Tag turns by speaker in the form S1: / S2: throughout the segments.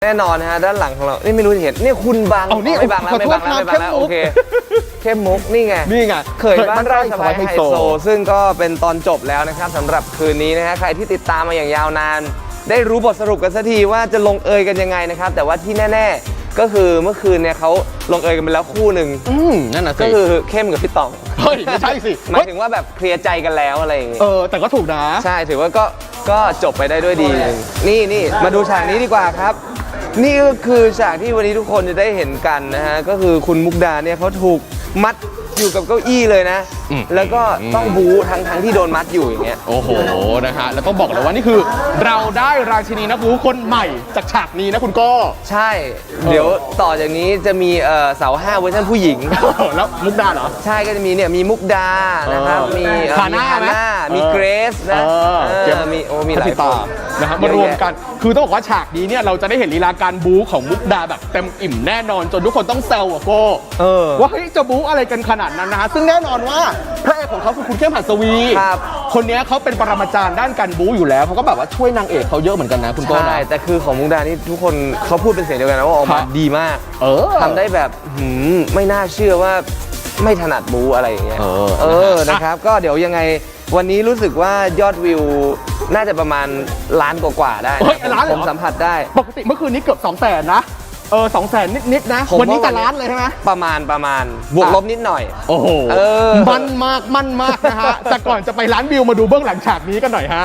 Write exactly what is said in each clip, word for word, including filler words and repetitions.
S1: แน่นอนนะฮะด้านหลังของเรานี่ไม่รู้จะเห็นนี่คุณบัง
S2: เอานี่
S1: ไม่บังแล้วไม่บังแล้วไม่บังแล้วโอเคเข้มมุกนี่ไง
S2: นี่ไง
S1: เคยบ้านไร่สบายไฮโซซึ่งก็เป็นตอนจบแล้วนะครับสำหรับคืนนี้นะฮะใครที่ติดตามมาอย่างยาวนานได้รู้บทสรุปกันสักทีว่าจะลงเอยกันยังไงนะครับแต่ว่าที่แน่ๆก็คือเมื่อคืนเนี่ยเขาลงเอยกันไปแล้วคู่หนึ่ง
S2: อืมนั่นน่ะสิ
S1: ก็คือเข้มกับพี่ต๋อง
S2: เฮ้ยไม่ใช่สิ
S1: หมายถึงว่าแบบเคลียร์ใจกันแล้วอะไรอย่างงี้
S2: เออแต่ก็ถูกนะ
S1: ใช่ถือว่าก็ก็จบไปได้ด้วยดีนี่นี่มาดูฉากนี้ดีกว่าครับนี่ก็คือฉากที่วันนี้ทุกคนจะได้เห็นกันนะฮะก็คือคุณมุกดาเนี่ยเขาถูกมัดอยู่กับเก้าอี้เลยนะ
S2: อืม
S1: แล้วก็ต้องบู๊ทั้งทั้งที่โดนมัดอยู่อย่างเงี้ย
S2: โอ้โหนะฮะแล้วต้องบอกเลยว่านี่คือ เราได้ราชินีนักบู๊คนใหม่จากฉากนี้นะคุณโก้
S1: ใช่ เดี๋ยวต่อจากนี้จะมีเอ่อเสาห้าเวอร์ชันผู้หญิง
S2: แล้วมุกดาเหรอ
S1: ใช่ก็จะมีเนี่ยมีมุกดานะครับ
S2: เออ
S1: มีเอ่อ
S2: ฮาน่า
S1: มี
S2: ไหม
S1: มี
S2: เออ
S1: เกรซนะ
S2: เออ
S1: เออ
S2: เจ็บ
S1: มีโอ้มีหลาย
S2: พัทธิ
S1: ค
S2: ตาน นะครับมารวมกันคือต้องบอกว่าฉากนี้เนี่ยเราจะได้เห็นลีลาการบู๊ของมุกดาแบบเต็มอิ่มแน่นอนจนทุกคนต้องแซวอะโก้
S1: เออ
S2: ว่าเฮ้ยจะบู๊อะไรกันขนาดนั้นนะฮะซึ่งแน่นอนว่าพระเอกของเขาคือคุณเข้มหัสวี
S1: ครับ
S2: คนนี้เขาเป็นปรมาจารย์ด้านการบู๊อยู่แล้วเขาก็แบบว่าช่วยนางเอกเขาเยอะเหมือนกันนะคุณโก้
S1: ใช่
S2: นะ
S1: แต่คือของมุกดานี่ทุกคนเขาพูดเป็นเสียงเดียวกันนะว่าออก
S2: ครั
S1: มา
S2: บ
S1: ดีมาก
S2: เออ
S1: ทำได้แบบหืมไม่น่าเชื่อว่าไม่ถนัดบูอะไรอย่างเงี้ย
S2: เออ
S1: เออ
S2: นะฮะ
S1: นะครับ ก็เดี๋ยวยังไงวันนี้รู้สึกว่ายอดวิวน่าจะประมาณล้านกว่าๆได้
S2: เฮ้ย
S1: นะ
S2: ล้านเลย
S1: ผ
S2: เหรอ
S1: มสัมผัสได้
S2: ปกติเมื่อคืนนี้เกือบสองแสนนะเออสองแสนนิดๆนะ
S1: ผม
S2: วันนี้
S1: ว่า
S2: จะล้านเลยใช่ไหม
S1: ประมาณประมาณบวก
S2: อ่ะ
S1: ลบนิดหน่อย
S2: โอ้โห
S1: เออ
S2: มันมากมันมากนะฮะ แต่ก่อนจะไปล้านวิวมาดูเบื้องหลังฉากนี้กันหน่อยฮะ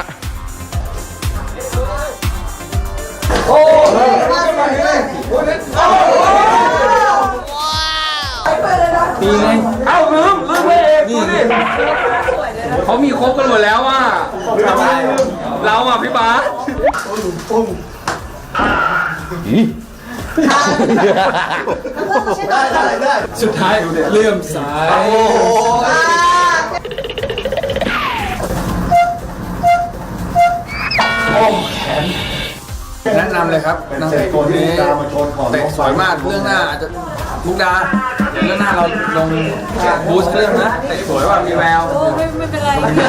S3: ดีไงเอ้าลืมลืมไปเองดูดิเขามีครบกันหมดแล้วอ่ะเราอ่ะพี่บาสสุดท้ายเลื่อมสายแนะนำเลยครับนางเอกคนนี้เตะสวยมากเรื่องหน้าอาจจะมุกดาเรื่องหน้าเราลงบูสต์เรื่องนะเตะสวยว่ามีแวว
S4: ไม่ไม่เป็นไรไม่เป็นไร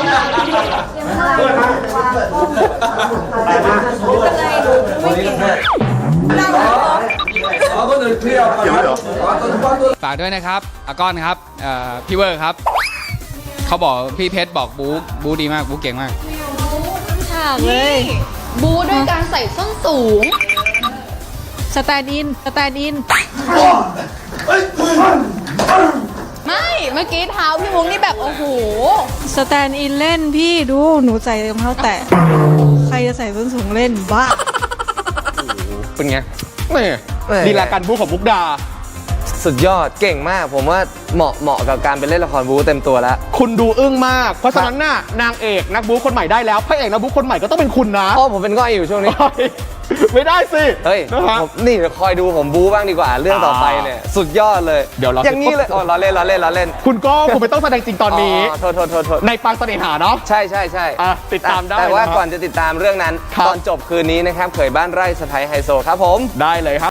S4: ไม่เก่งนั่งรอ
S3: อ๋อก็เลยเคลียร์เกี่ยวเหรอ
S5: ฝากด้วยนะครับอาก้อนครับเอ่อพี่เวอร์ครับ เขาบอกพี่เพชรบอกบู๊บู๊ดีมากบู๊เก่งมาก
S4: ฉากเลย
S6: บูด้วยการใส่ส้นสูง
S4: สแตนด์อินสแตนด์อิน
S6: ไม่ เมื่อกี้เท้าพี่มุ้งนี่แบบ โอ้โห
S4: สแตนด์อินเล่นพี่ดูหนูใส่รองเท้าแตะใครจะใส่ส้นสูงเล่นบ้า
S2: เป็นไงนี่
S1: แหม่
S2: ลีลาการบู๊ของมุกดา
S1: สุดยอดเก่งมากผมว่าเหมาะเหมาะกับการไปเล่นละครบู๊เต็มตัวแล้ว
S2: คุณดูอึ้งมาก เพราะฉะนั้นน่ะนางเอกนักบู๊คนใหม่ได้แล้วพระเอกนักบู๊คนใหม่ก็ต้องเป็นคุณนะ
S1: เพราะผมเป็นง่อยอยู่ช่วงนี้
S2: ไม่ได้สิ
S1: เฮ้ย
S2: นะฮะ
S1: ผมนี่เดี๋ยวคอยดูผมบู๊บ้างดีกว่า เรื่องต่อไปเนี่ยสุดยอดเลย
S2: เดี๋ยวเรา
S1: อย่างนี้เลยอ๋อล้อเล่นล้อเล่นล้อเล่น
S2: คุณก็คุณไม่ต้องแสดงจริงตอนนี้
S1: โทษโทษโทษโทษ
S2: ในปางเสน่หาเนาะ
S1: ใช่ใช่ใช่
S2: อ่ะติดตามได้
S1: แต่ว่า
S2: นะครับ
S1: ก่อนจะติดตามเรื่องนั้น
S2: ครับ
S1: ตอนจบคืนนี้นะครับเขยบ้านไร่สะพ้ายไฮโซครับผม
S2: ได้เลยครับ